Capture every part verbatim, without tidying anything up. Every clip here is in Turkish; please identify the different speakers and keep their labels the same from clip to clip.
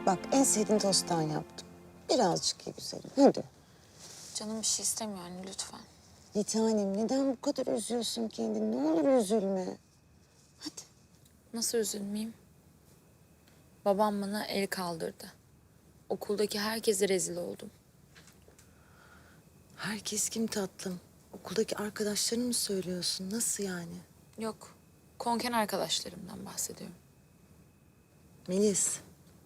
Speaker 1: Bak en sevdiğin tosttan yaptım. Birazcık ye güzelim. Hadi.
Speaker 2: Canım bir şey istemiyor anne lütfen.
Speaker 1: Bir tanem neden bu kadar üzüyorsun kendini? Ne olur üzülme. Hadi.
Speaker 2: Nasıl üzülmeyeyim? Babam bana el kaldırdı. Okuldaki herkese rezil oldum.
Speaker 1: Herkes kim tatlım? Okuldaki arkadaşlarını mı söylüyorsun? Nasıl yani?
Speaker 2: Yok, konken arkadaşlarımdan bahsediyorum.
Speaker 1: Melis.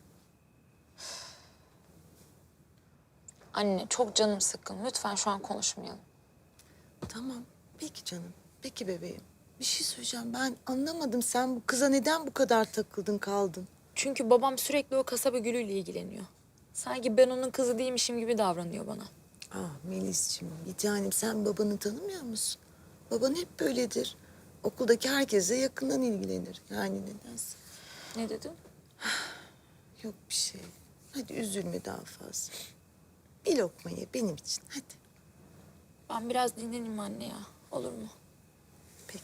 Speaker 2: Anne çok canım sıkkın. Lütfen şu an konuşmayalım.
Speaker 1: Tamam. Peki canım. Peki bebeğim. Bir şey söyleyeceğim. Ben anlamadım. Sen bu kıza neden bu kadar takıldın kaldın?
Speaker 2: Çünkü babam sürekli o kasaba gülüyle ilgileniyor. Sanki ben onun kızı değilmişim gibi davranıyor bana.
Speaker 1: Ah Melis'ciğim, bir tanem sen babanı tanımıyor musun? Baban hep böyledir. Okuldaki herkese yakından ilgilenir. Yani nedense.
Speaker 2: Ne dedin?
Speaker 1: Yok bir şey. Hadi üzülme daha fazla. Bir lokma ye benim için. Hadi.
Speaker 2: Ben biraz dinleneyim anne ya. Olur mu?
Speaker 1: Peki.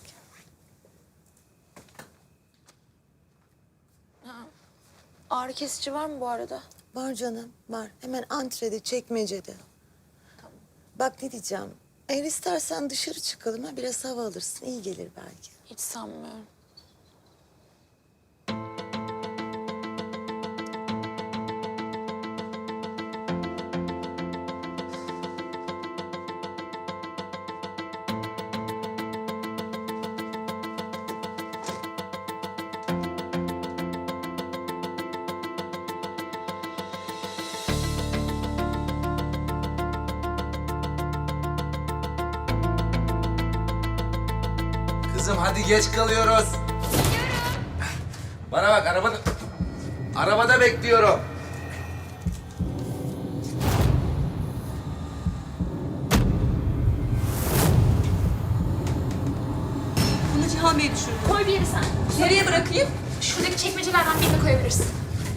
Speaker 2: Ağrı kesici var mı bu arada?
Speaker 1: Var canım, var. Hemen antrede, çekmecede.
Speaker 2: Tamam.
Speaker 1: Bak ne diyeceğim. Eğer istersen dışarı çıkalım ha. Biraz hava alırsın. İyi gelir belki.
Speaker 2: Hiç sanmıyorum.
Speaker 3: Kızım hadi geç kalıyoruz. Bana bak arabada... Arabada bekliyorum.
Speaker 4: Bunu Cihan Bey düşürdü.
Speaker 5: Koy bir yere sen.
Speaker 4: Nereye bırakayım?
Speaker 5: Şuradaki çekmecelerden birine koyabilirsin.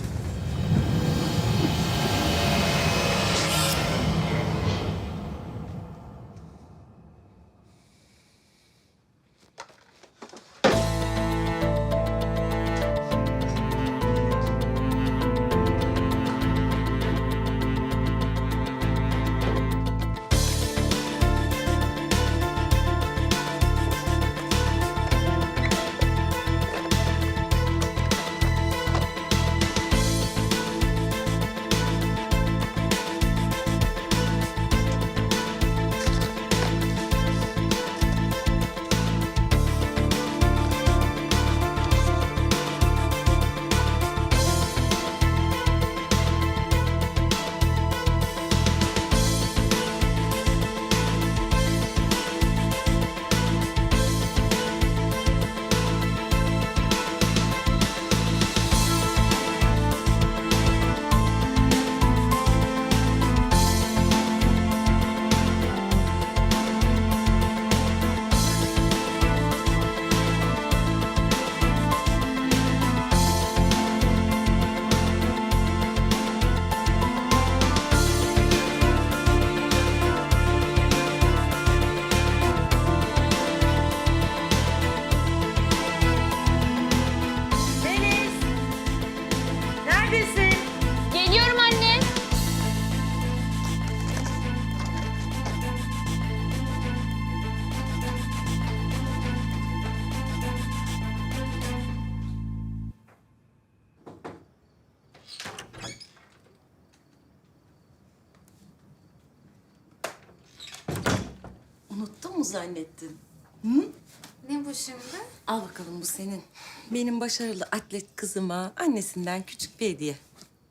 Speaker 4: Deniz! Neredesin?
Speaker 5: Geliyorum anne.
Speaker 4: Unuttun mu zannettin?
Speaker 2: Ne bu şimdi?
Speaker 4: Al bakalım bu senin. Benim başarılı atlet kızıma annesinden küçük bir hediye.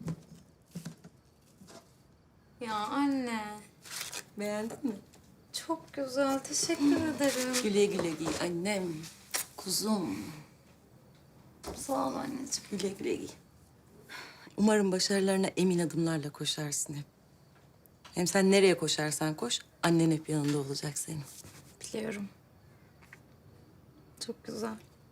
Speaker 2: Ya anne.
Speaker 4: Beğendin mi?
Speaker 2: Çok güzel. Teşekkür ederim.
Speaker 4: Güle güle giy annem. Kuzum.
Speaker 2: Sağ ol anneciğim.
Speaker 4: Güle güle giy. Umarım başarılarına emin adımlarla koşarsın hep. Hem sen nereye koşarsan koş, annen hep yanında olacak senin.
Speaker 2: Biliyorum. Çok güzel.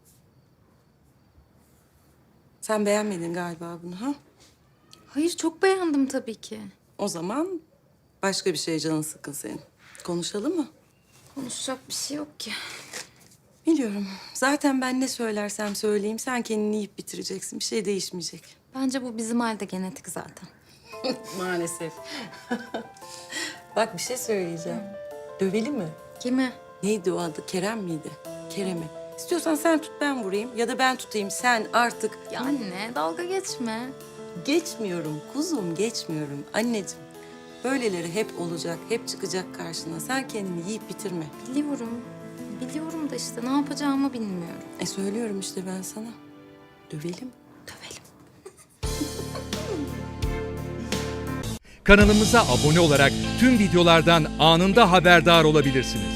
Speaker 4: Sen beğenmedin galiba bunu ha?
Speaker 2: Hayır çok beğendim tabii ki.
Speaker 4: O zaman başka bir şeye canın sıkkın senin. Konuşalım mı?
Speaker 2: Konuşacak bir şey yok ki.
Speaker 4: Biliyorum. Zaten ben ne söylersem söyleyeyim sen kendini yiyip bitireceksin. Bir şey değişmeyecek.
Speaker 6: Bence bu bizim halde genetik zaten.
Speaker 4: Maalesef. Bak bir şey söyleyeceğim. Dövelim mi?
Speaker 6: Kimi?
Speaker 4: Neydi o adı? Kerem miydi? Kerem'i. İstiyorsan sen tut ben vurayım ya da ben tutayım sen artık.
Speaker 6: Ya anne dalga geçme.
Speaker 4: Geçmiyorum kuzum geçmiyorum anneciğim. Böyleleri hep olacak, hep çıkacak karşına. Sen kendini yiyip bitirme.
Speaker 6: Biliyorum. Biliyorum da işte ne yapacağımı bilmiyorum.
Speaker 4: E söylüyorum işte ben sana. Dövelim.
Speaker 6: Dövelim.
Speaker 7: Kanalımıza abone olarak tüm videolardan anında haberdar olabilirsiniz.